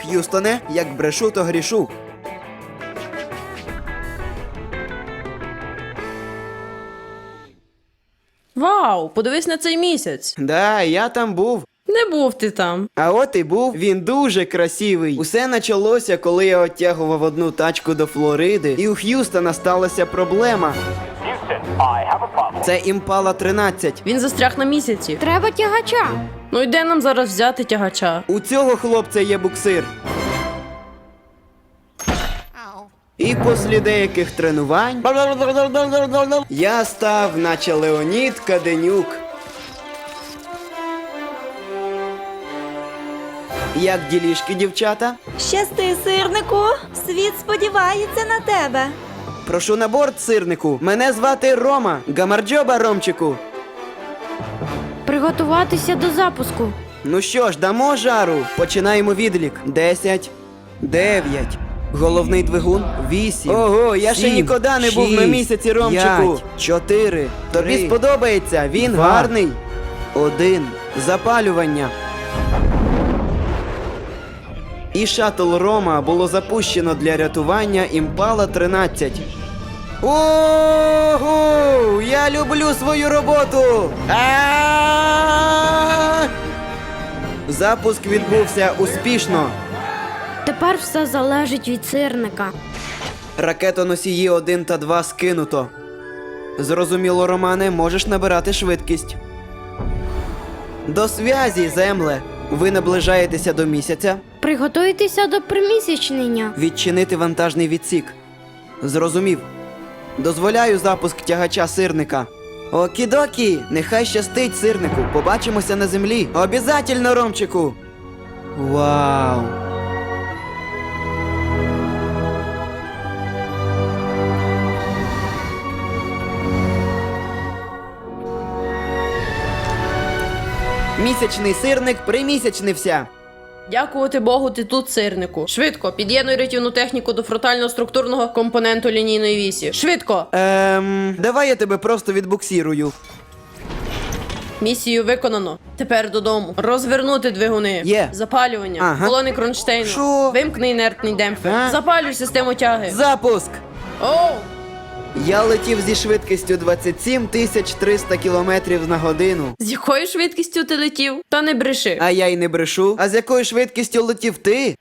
Х'юстоне, як брешу, то грішу. Вау, подивись на цей місяць. Да, я там був. Не був ти там. А от і був, він дуже красивий. Усе почалося, коли я оттягував одну тачку до Флориди, і у Х'юстона сталася проблема. Це Імпала 13. Він застряг на місяці. Треба тягача. Ну йде нам зараз взяти тягача. У цього хлопця є буксир. І після деяких тренувань я став, наче Леонід Каденюк. Як ділішки, дівчата? Щасти, сирнику! Світ сподівається на тебе. Прошу на борт, сирнику. Мене звати Рома. Гамарджоба, Ромчику. Приготуватися до запуску. Ну що ж, дамо жару. Починаємо відлік. 10, 9. Головний двигун 8. Ого, я ще 7, ніколи не був на 6, місяці, Ромчику. 5, 4. Тобі 3, сподобається? Він 2. гарний. 1. Запалювання. І шаттл Рома було запущено для рятування Імпала 13. Ого! Я люблю свою роботу! А-а-а! Запуск відбувся успішно. Тепер все залежить від сирника. Ракетоносії 1 та 2 скинуто. Зрозуміло, Романе, можеш набирати швидкість. До зв'язі, земле. Ви наближаєтеся до місяця. Приготуйтеся до примісячнення. Відчинити вантажний відсік. Зрозумів. Дозволяю запуск тягача сирника. Окідокі, нехай щастить, сирнику. Побачимося на землі. Обязательно, Ромчику. Вау. Місячний сирник примісячнився. Дякувати Богу, ти тут, сирнику. Швидко, під'єднуй рятівну техніку до фронтально-структурного компоненту лінійної вісі. Швидко! Давай я тебе просто відбуксірую. Місію виконано. Тепер додому. Розвернути двигуни. Є. Запалювання. Ага. Колони кронштейну. Що? Вимкни інертний демпфер. А? Запалюй систему тяги. Запуск! Оу! Я летів зі швидкістю 27 300 км на годину. З якою швидкістю ти летів? Та не бреши. А я й не брешу. А з якою швидкістю летів ти?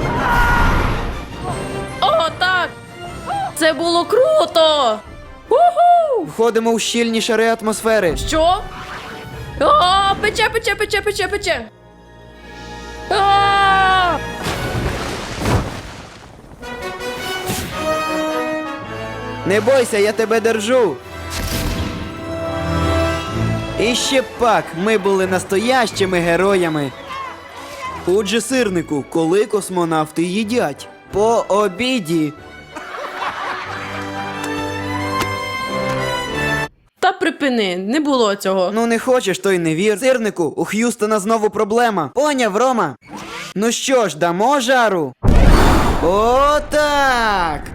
О, так! Це було круто! Уху! Входимо у щільні шари атмосфери. Що? О, пече, пече, пече, пече, пече. А! Не бойся, я тебе держу. І ще пак, ми були настоящими героями. Отже, сирнику, коли космонавти їдять? По обіді. Та припини, не було цього. Ну не хочеш, то й не вір. Сирнику, у Х'юстона знову проблема. Поняв, Рома? Ну що ж, дамо жару? О, так!